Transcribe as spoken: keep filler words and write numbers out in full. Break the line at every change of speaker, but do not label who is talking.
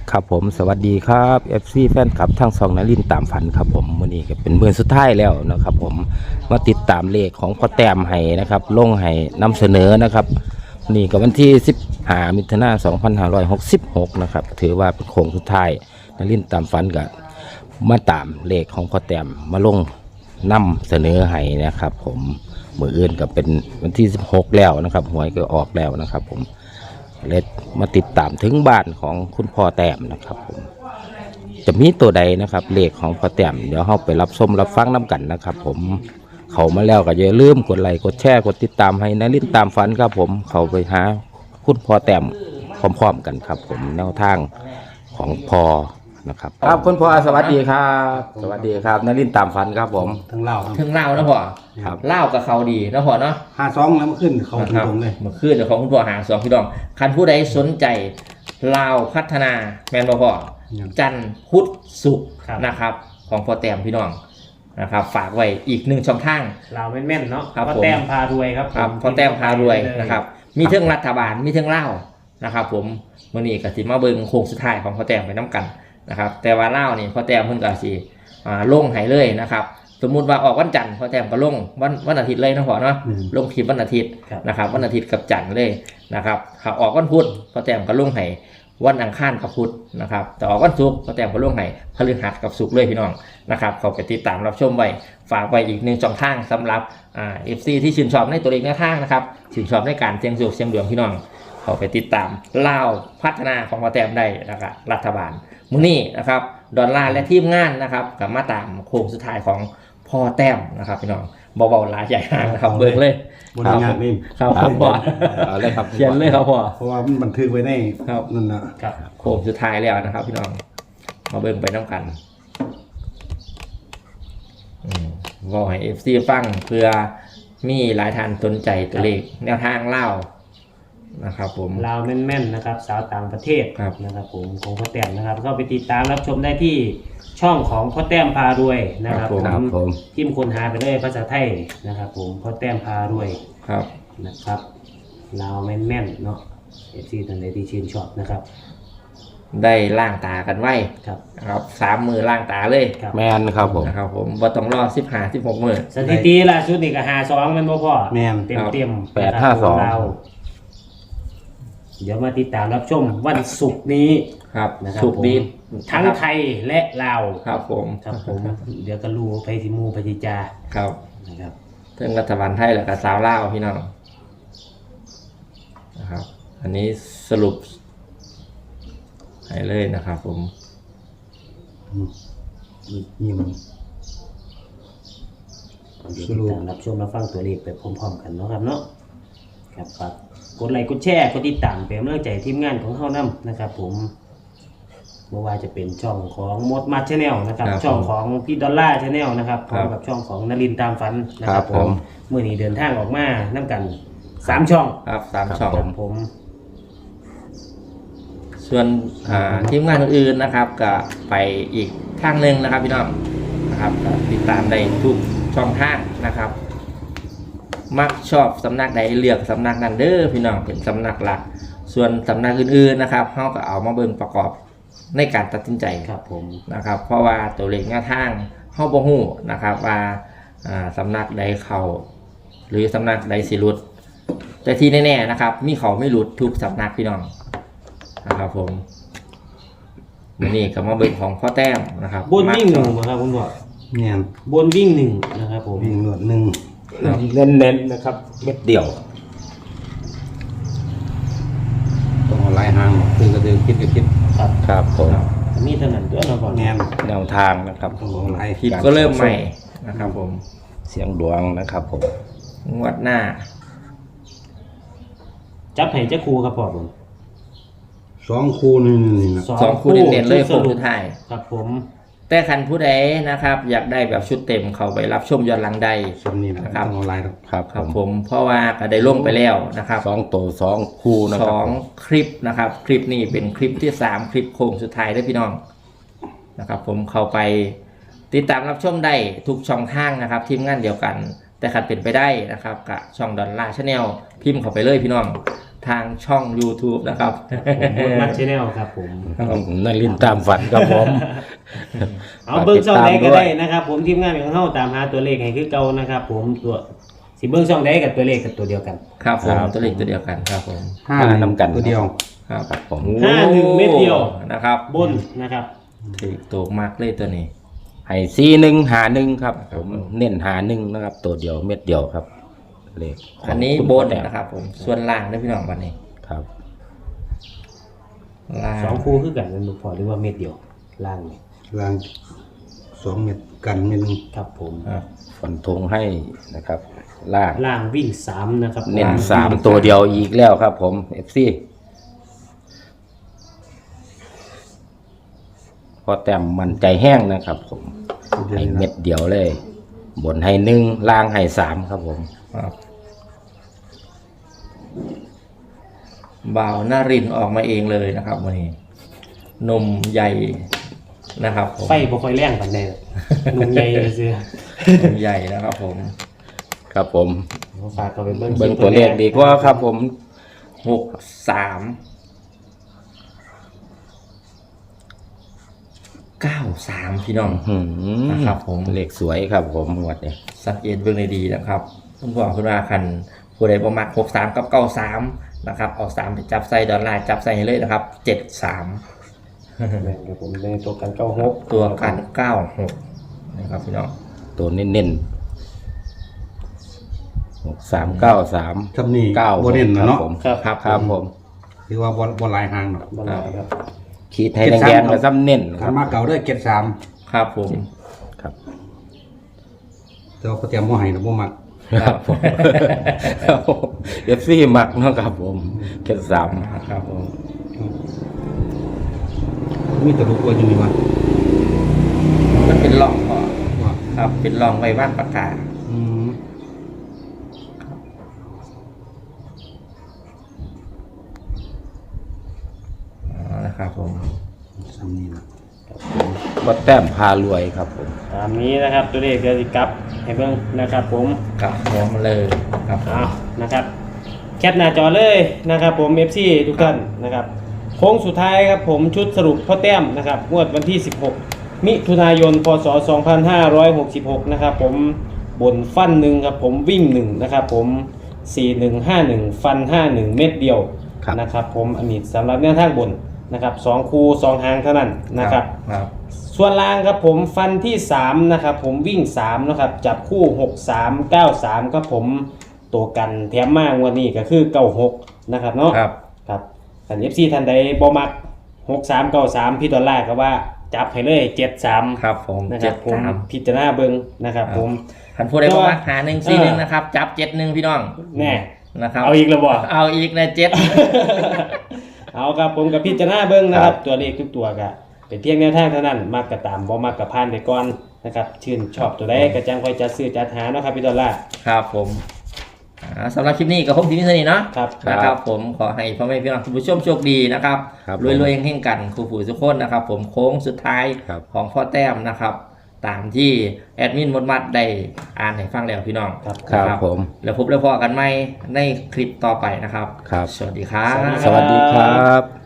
ครับผมสวัสดีครับ เอฟ ซี แฟนคลับทั้งสองนลินตามฝันครับผมวันนี้ก็เป็นมื้อสุดท้ายแล้วนะครับผมมาติดตามเลขของพ่อแต้มให้นะครับลงให้นำเสนอนะครับนี่ก็วันที่สิบห้ามิถุนายนสองพันห้าร้อยหกสิบหกนะครับถือว่าเป็นโค้งสุดท้ายนลินตามฝันก็มาตามเลขของพ่อแต้มมาลงนำเสนอให้นะครับผมมื้ออื่นก็เป็นวันที่สิบหกแล้วนะครับหวยก็ออกแล้วนะครับผมเลขมาติดตามถึงบ้านของคุณพ่อแต้มนะครับผมจะมีตัวใดนะครับเลขของพ่อแต้มเดี๋ยวเราไปรับชมรับฟังน้ำกันนะครับผมเขามาแล้วก็อย่าลืมกดไลค์กดแชร์กดติดตามให้นลินตามฝันครับผมเขาไปหาคุณพ่อแต้มพร้อมๆกันครับผมแนวทางของพ่อนะครับครับคุณพ่อสวัสดีครับสวัสดีครับนลินตามฝันครับผม
ทั้งเล่าครับ
ถึงเล่านะพ่อ
ครับ
เล่ากับเขาดีนะพ่อเนาะ
ห้าสองแล้วมันขึ้นเขาตรงๆเลย
เมื่อคืนเดี๋ยวของคุณพ่อหาสองพี่น้องคันผู้ใดสนใจลาวพัฒนาแมนบ่พ่อจันทร์พุธศุกร์นะครับของพ่อแต้มพี่น้องนะครับฝากไว้อีกหนึ่งช่องทาง
เราแม่นๆเนาะ
ครับ
พ่อ
ผม
แต้มพารวยครับ
ครับพ่อแต้มพารวยนะครับมีเทิงรัฐบาลมีเทิงเล่าวนะครับผมมื้อนี้ก็สิมาเบิ่งโค้งสุดท้ายของพ่อแต้มไปน้ำกันนะครับแต่ว่าเล่าวนี่พ่อแต้มเพิ่นก็สิอ่าลงให้เลยนะครับสมมุติว่าออกวันจันทร์พ่อแต้มก็ลงวันวันอาทิตย์เลยนะพ่อเนาะลงคลิปวันอาทิตย์นะครับวันอาทิตย์กับจันทร์เลยนะครับถ้าออกวันพุธพ่อแต้มก็ลงให้วันอังคารกับพุธนะครับแต่ออกวันศุกร์พ่อแต้มก็ลงให้พฤหัสกับศุกร์เลยพี่น้องนะครับเขาไปติดตามรับชมไว้ฝากไว้อีกหนึ่งช่องทางสำหรับอ่า เอฟ ซี ที่ชื่นชอบในตัวเลขแนวทางนะครับชื่นชอบในการเสี่ยงโชคเสี่ยงดวงพี่น้องเขาไปติดตามเล่าพัฒนาของพ่อแต้มได้นะครับรัฐบาลมื้อนี้นะครับดอลลาร์และทีมงานนะครับกับมาตามโค้งสุดท้ายของพ่อแต้มนะครับพี่น้องเบาๆหลายใหญ่ห่างนะครับเบิ่งเลย
บนงานนี่
ครับผมบอก
เอาเลยครับ
เขียนเลยครับพ่อ
เพราะว่ามันบันทึกไว้ใน
ครับ
นั่นนะครับ
โค้งสุดท้ายแล้วนะครับพี่น้องมาเบิ่งไปน้ำกันอืมก็ให้ เอฟ ซี ฟังเพื่อมีหลายท่านสนใจตัวเลขแนวทางเล่านะครับผม
เราแม่นๆนะครับสาวต่างประเทศ
ครับ
นะครับผมของพ่อแต้มนะครับก็ไปติดตามรับชมได้ที่ช่องของพ่อแต้มพารวยนะครับ
ครับผม
ทิมคนหาไปเลยภาษาไทยนะครับผมพ่อแต้มพารวย
ครับ
นะครับเราแม่นๆเนาะเอฟซีท่านใดที่ชื่นชอบนะครับ
ได้ล่างตากันไว้
ครับ
นะครับสามมือล่างตาเลย
ครับ
แมนครับผม
นะครับผมว่าต้องรอสิบห้าสิบหกมือ
สถิติล่าสุดนี่ก็หาสองมันบ่พอ
แมน
เต็มเต็มๆ
แปดห้าสอง
เราเดี๋ยวมาติดตามรับชมวันศุกร์นี้
ครับ
นะครับ
สุกดี
ทั้งไทยและลาว
ครับผม
ครับผม เดี๋ยวก็รู้ไปสิมูไปจิจา
ครับ
นะครับ
เรื่องรัฐบาลไทยแล้วก็สาวลาวพี่น้องนะครับ อันนี้สรุปให้เลยนะครับผม
นี่มัน
เดี๋ยวติดตามรับชมรับฟังตัวเลขไปพร้อมๆกันเนาะครับเนาะครับฝากกดไลค์กดแชร์กดติดตามเป็นกำลังใจทีมงานของเฮานํนะครับผมไม่ว่าจะเป็นช่องของมดมาชแนลนะครับ
ครับ
ช่องของพี่ดอลล่าชแนลนะครับพ
ครั
ร้อบ มกับช่องของนรินทร์ตามฝันนะค
ครั
รั
บบ ผม
เมื่อนี้เดินทางออกมานํกันสามช่อง
ครับสามช่อง
ครับผม
ส่วนอ่าทีมงานอื่นๆนะครับก็ไปอีกทางหนึ่งนะครับพี่น้องนะครับก็ติดตามได้ทุกช่องทางนะครับ มักชอบสำนักใดเลือกสำนักนั้นเด้อพี่น้องเป็นสำนักหลัก ส่วนสำนักอื่นๆนะครับเขาก็เอามาเบิ่งประกอบในการตัดสินใจ
ครับผม
นะครับ เพราะว่าตัวเลขแนวทางเขาบ่ฮู้นะครับว่าอ่าสำนักใดเขาหรือสำนักใดสิหลุด แต่ที่แน่ๆนะครับ มีเขาไม่หลุดทุกสำนักพี่น้องนะครับผมวันนี้ก็มาเบิ่งของพ่อแต้มนะครับ
บนวิ่งหนึ่ง
มัก
นะครับคุณพ่อ
แมน
บนวิ่งหนึ่งนะครับผม
วิ่งหนวดหนึ่ง
เน้นๆนะครับเม็ดเดียว
ต้องเอาลายหางตื่นก็ตื่นคิดก็คิด
ครับ
ครับผม
มีเท่านั้นด้วยนะพ่อ
แมน
แนวทางนะครับ
ต้องเอาลาย
ผิดก็เริ่มใหม่นะครับผม
เสียงดวงนะครับผม
งวดหน้า
จับให้เจ้าครูครับพ่อผม
สองคู่นี่นี่นะ
สองคู่เด่นๆเลย
ชุ
โค้
ด
ง
สรุ
สุ
ป
ดท้าย
ครับผม
แต่คันผู้ใดนะครับ อยากได้แบบชุดเต็มเขาไปรับชมย้อนหลังใด
สมนี่นะ
นะครับ
ต้องเอาลายครับ
ครับ
ครับ
ผ
ผม มเพราะว่าก็ได้ลงไปแล้วนะครับ
สองตัวสองคู่นะ
ส
ครับ
องคลิปนะครับ คลิปนี้เป็นคลิปที่สามคลิปโค้งสุดท้ายได้อพี่น้องนะครับ ผมเข้าไปติดตามรับชมได้ทุกช่องทางนะครับทีมงานเดียวกัน แต่ขัดเป็นไปได้นะครับกับช่องดอลลาร์ชาแนลพิมพ์เข้าไปเลยพี่น้องทางช่อง YouTube นะครับ
ผมมัดชแนลครับผม
นารินตามฝันครับผม
เอาเบิ้งช่องใดก็ได้
ฝากติตามด้วย
นะครับผมทีมงานของเฮาตามหาตัวเลขให้คือเก่านะครับผมตัวสิเบิ้งช่องใดกับตัวเลขกับตัวเดียวกัน
ครับผม
ครับ
ตัวเลขตัวเดียวกันครับผม
ห้า
ห้านำกัน
ตัวเดียว
ครับ
ครับผม
ห้าหนึ่งเม็ดเดียว
นะครับ
บนนะครับ
ถือตัวมากเลยตัวนี้
ให้สี่หนึ่งหาหนึ่งครับ ผมเน้นหาหนึ่งนะครับ ตัวเดียวเม็ดเดียวครับเลขขง
อันนี้
คุณ
บ
พ่อน แต้ม
นะครับผมส่วนล่างนะพี่น้องวันนี้
ครับ
ล่าง
สองคู่คือกันนั่นลูกพอหรือว่าเม็ดเดียวล่างนี่
ล่างสองเม็ดกันเม็ดหนึง
ครับผม
ครับ
ฟันธงให้นะครับ ล่าง
ล่างวิ่งสามนะครับ
เน้นสามตัวเดียวอีกแล้วครับ ผมเอฟซีพอแต้มมันใจแห้งนะครับ ผมให้เม็ดเดียวเลย บนให้หนึ่งล่างให้สามครับผม
ครับบ่าวนารินออกมาเองเลยนะครับวันนี้นมใหญ่นะครับผม
ไฟบ่ค่อยแรงปานใดหนุ่มใหญ่เลยซื่อน
มใหญ่นะครับผม
ครับผม
ฝากเขาไปเบิ่ง
เบิ่งตัวเลขดีกว่าครับ ผม
หกสามเก้าสามพี่น้อง
หืม
นะครับผม
เลขสวยครับ ผมงวดนี้
สังเกตเบื้องในดีนะครับคุณพ่อคุณอาคันผู้ใดประมาณหกสามกับเก้าสามนะครับเอาสามไปจับใส่ดอลลาร์จับใส่ให้เลยนะครับเจ็ดสาม
แม่นครับผมในตัวกันเก้าหก
ตัวกันเก้าหกนะครับพี่น้อง
ตัวเน้นๆหกสามเก้าสาม
ทำนี่
เก้า
โบเน่นนะเนาะ
ผม
ครับ
ครับครับผม
ถือว่าบอลบอลลายหางเนาะ
บ่หลายครับ
ขีดให้แดงๆแล้วซ้ำเน้นค
ขั
รั
น
บ
มาเก่าได้เก็ดสาม
ครับผม
ครับ
แต่ว่าเขาเตรียมบ่ให้นะบ่มัก
ครับผมเอฟซีมักเนาะครับผมแค่สาม
ครับผม
มีแต่ลูกตัวอยู่นี่วะ
มันเป็นร่องก่อน
ว่า
ครับเป็นร่องไว้ว่านปากกา
อืม
อ๋อนะครับผม
ซ้ำนี่นะ
วัดแต้มพารวยครับผม
ตามนี้นะครับตัวเลขเดี๋ยวสิกลับให้เบิ่งนะครับผม
กลับหัวมาเลยครับ
เอานะครับแคปหน้าจอเลยนะครับผม เอฟ ซี ทุกท่านนะครับโค้งสุดท้ายครับผมชุดสรุปพ่อแต้มนะครับงวดวันที่สิบหกมิถุนายนพศสองพันห้าร้อยหกสิบหกนะครับผมบนฟันหนึ่งครับผมวิ่งหนึ่งนะครับผมสี่หนึ่งห้าหนึ่งฟันห้าหนึ่งเม็ดเดียว
ครับ
นะครับผมอันนี้สำหรับแนวทางบนนะครับสองคูสองหางเท่านั้นนะครับ
ครับ
ส่วนล่างครับผมฟันที่สามนะครับผมวิ่งสามนะครับจับคู่หก สาม เก้า สามครับผมตัวกันแถมมากวันนี้ก็คือเก้าหกนะครับเนาะ
ครับ
ครับสัน เอฟ ซี ท่านใดบ่มักหก สาม เก้า สามพี่ดอลลาร์ก็ว่าจับให้เลยเจ็ด สาม
ครับผม
นะค
เจ็
รับ
ด
ผม
สาม
พิจารณาเบิ่งนะครับผม
ขันผู้ใดประมาณหาหนึ่งสี่หนึ่งนะครับ จับเจ็ดหนึ่งพี่น้อง
แน่
นะครับ
เอาอีกแล้วบ่
เอาอีกนะเจ็ด
เอาครับผมกับพิจารณาเบิ่งนะครับตัวเลขทุกตัวก็เป็นเพียงแนวทางเท่านั้นมักก็ตามบ่มักก็ผ่านไปก่อนนะครับชื่นชอบตัวใดก็จังค่อยจัดซื้อจัดหาเนาะครับพี่ดอลลาร์
ครับผมอ่าสำหรับคลิปนี้ก็คงที่นี่เท่านี้เนาะ
ครับ
นะครับผมขอให้พ่อแม่พี่น้องคุณผู้ชมโชคดีนะครับ
ครับ
รวยๆเฮงๆกันครูผู้ทุกคนนะครับ ผมโค้งสุดท้าย
ครับ
ของพ่อแต้มนะครับ ตามที่แอดมินมดมัดได้อ่านให้ฟังแล้วพี่น้อง
ครับ
ครับ
นะ
ผม
แล้วพบแล้วพอกันไหมในคลิปต่อไปนะครับ
ครับ
สวัสดีครับ
สวัสดีครับ